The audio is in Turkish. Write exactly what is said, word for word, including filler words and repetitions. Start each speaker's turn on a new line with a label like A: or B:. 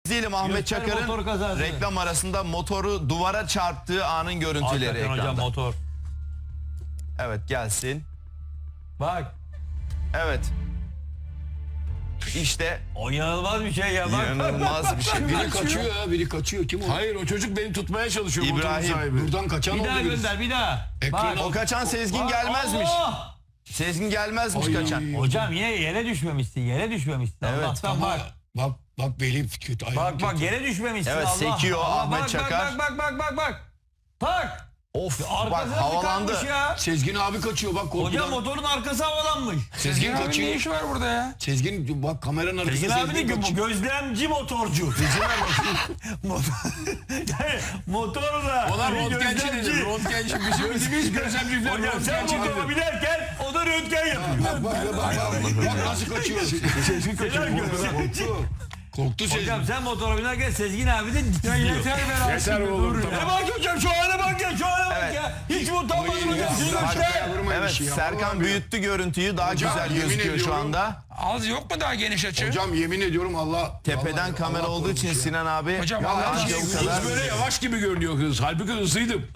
A: İzleyelim Ahmet
B: Göster motor
A: Çakar'ın
B: kazası.
A: reklam arasında motoru duvara çarptığı anın görüntüleri
B: Hakikaten
A: ekranda.
B: hocam motor.
A: Evet gelsin.
B: Bak.
A: Evet. İşte
B: O inanılmaz bir şey ya. Bak.
A: inanılmaz bir şey.
C: Biri kaçıyor ya, biri kaçıyor. Kim o?
D: Hayır o çocuk beni tutmaya çalışıyor motorun
A: İbrahim.
D: sahibi.
C: Buradan kaçan
B: Bir
C: oldu
B: daha
C: birisi.
B: gönder bir daha.
C: Ekran
B: Bak.
A: O kaçan Sezgin
B: Bak,
A: gelmezmiş.
B: Allah!
A: Sezgin gelmezmiş
C: Ay.
A: kaçan.
B: Hocam yine yere düşmemişsin. Yere düşmemişsin.
A: Evet,
B: Allah'tan
C: Ama
B: bak.
C: bak bak belim kötü. ayağım
B: Bak bak
C: kötü.
B: yere düşmemişsin.
A: Evet,
B: Allah.
A: sekiyor
B: Allah,
A: Ahmet
B: bak,
A: Çakar.
B: Bak bak bak bak bak. Tak.
A: Of bak
B: Arkasına
A: havalandı.
B: tıkanmış ya.
C: Sezgin abi kaçıyor bak korkudan.
B: Hocam motorun arkası havalanmış.
C: Sezgin
E: Abinin ne
C: kaçıyor.
E: işi var burada ya?
C: Sezgin bak kameranın arkasında
B: Sezgin abi de
C: Sezgin
B: gö-
C: kaçıyor.
B: gözlemci motorcu. Motor, yani motorla.
D: Ona
B: bir
D: röntgenci
B: gözlemci.
D: dedim. Röntgenci bizim bizim gözlemci falan
B: Hocam sen
D: röntgenci
B: motora
D: dedim.
B: binerken o da röntgen yapıyor.
C: Bak bak bak bak, bak nasıl kaçıyor. Sezgin kaçıyor.
B: Helal
C: Korktu. Korktu Sezgin.
B: Hocam sen motora binerken Sezgin abi de
E: Ya
B: diyor.
E: yeter be lan.
D: Yeter
E: şimdi,
D: oğlum,
E: dur
D: tamam.
E: ya.
B: E bak hocam şu hale bak ya şu hale bak
A: Evet.
B: ya. Hiç mi utanmadın hocam? Sizin
C: bırak
B: işte.
C: ya, vurma
A: Evet
C: bir şey ya.
A: Serkan
C: Vallahi
A: büyüttü görüntüyü daha
C: Hocam,
A: güzel
C: yemin
A: gözüküyor şu
C: ediyorum.
A: anda.
E: Az yok mu daha geniş açı?
C: Hocam yemin ediyorum Allah.
A: Tepeden
C: vallahi
A: kamera
C: Allah
A: olduğu için
C: korumuş ya.
A: Sinan abi
E: Hocam
C: Ya
E: Allah
C: her
E: aşkına
C: şey
A: bu
D: Kız
A: kadar.
D: böyle yavaş gibi görünüyor kız. Halbuki hızlıydım.